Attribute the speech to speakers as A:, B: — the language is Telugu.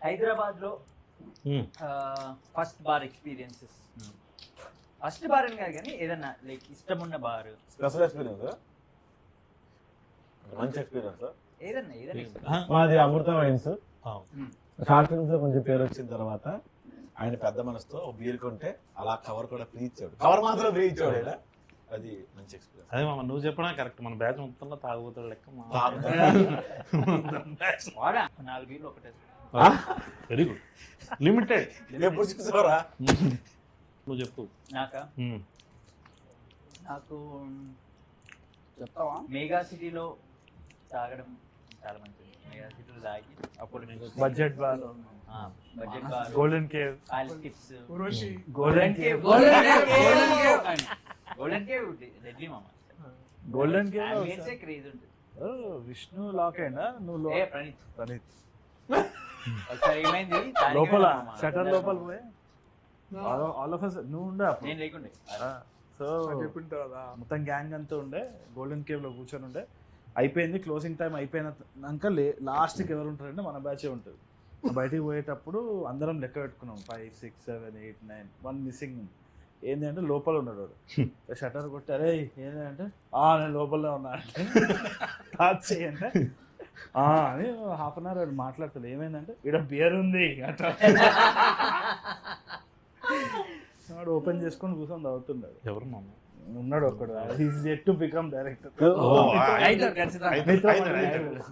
A: హైదరాబాద్ లో first bar experiences. First bar అని కాదు కానీ ఏదన్నా లైక్ ఇష్టం ఉన్న బార్,
B: స్పెషల్ ఎక్స్పీరియన్స్, మంచి ఎక్స్పీరియన్స్
A: ఏదన్నా
B: మాది అమృత వైన్స్. షార్ట్ ఫిల్మ్స్ లో కొంచెం పేరు వచ్చిన తర్వాత ఆయన పెద్ద మనసుతో ఒక బీర్ కొంటే అలా కవర్ కూడా ఫ్రీ ఇచ్చాడు. కవర్ మాత్రం ఫ్రీ ఇచ్చాడు ఆయన. అది మంచి ఎక్స్పీరియన్స్.
C: అదే మామ నువ్వు చెప్పడా కరెక్ట్. మన బ్యాచ్ మొత్తంలో తాగుబోతాడు లెక్క.
A: వాడా 4 బీర్లు ఒకటే.
C: Very good. లిమిటెడ్.
B: ఎప్పుడు చూసావరా?
C: నువ్వు చెప్పు.
A: నాకు చెప్తావా? మెగా సిటీలో తాగడం చాలా మంచిది. మెగా సిటీలో తాగి అప్పుడు
D: budget bar,
A: budget bar,
D: golden cave,
A: tips,
D: golden cave,
A: golden cave రెడ్లీ మామ.
D: గోల్డెన్ కేవ్
A: క్రేజ్ ఉంటుంది.
D: విష్ణు లాక్ అయినా నువ్వు ప్రణీత్
A: ఒకసారి ఏమైంది
D: లోపల షటర్ లోపల పోయి ఆల్ ఆఫ్ us నువ్వు ఉండే అప్పుడు.
A: నేను లేకుండే.
D: సో మొత్తం గ్యాంగ్ అంతా ఉండే గోల్డెన్ కేవ్ లో కూర్చొని ఉండే. అయిపోయింది క్లోజింగ్ టైం అయిపోయినాక లాస్ట్కి ఎవరు ఉంటారంటే మన బ్యాచే ఉంటుంది. బయటికి పోయేటప్పుడు అందరం లెక్క పెట్టుకున్నాం 5, 6, 7, 8, 9, 1 మిస్సింగ్. ఏంటి అంటే లోపల ఉన్నాడు వాడు. షటర్ కొట్టారే ఏంటంటే నేను లోపలనే ఉన్నా అంటే అంటే అని హాఫ్ అన్ అవర్ వాడు మాట్లాడతాడు. ఏమైందంటే ఇక్కడ బియర్ ఉంది అట్లా వాడు ఓపెన్ చేసుకొని కూర్చొని తాగుతున్నాడు.
C: ఎవరు మామ?
D: ఉన్నాడు ఒక్కడు. He's yet to become director.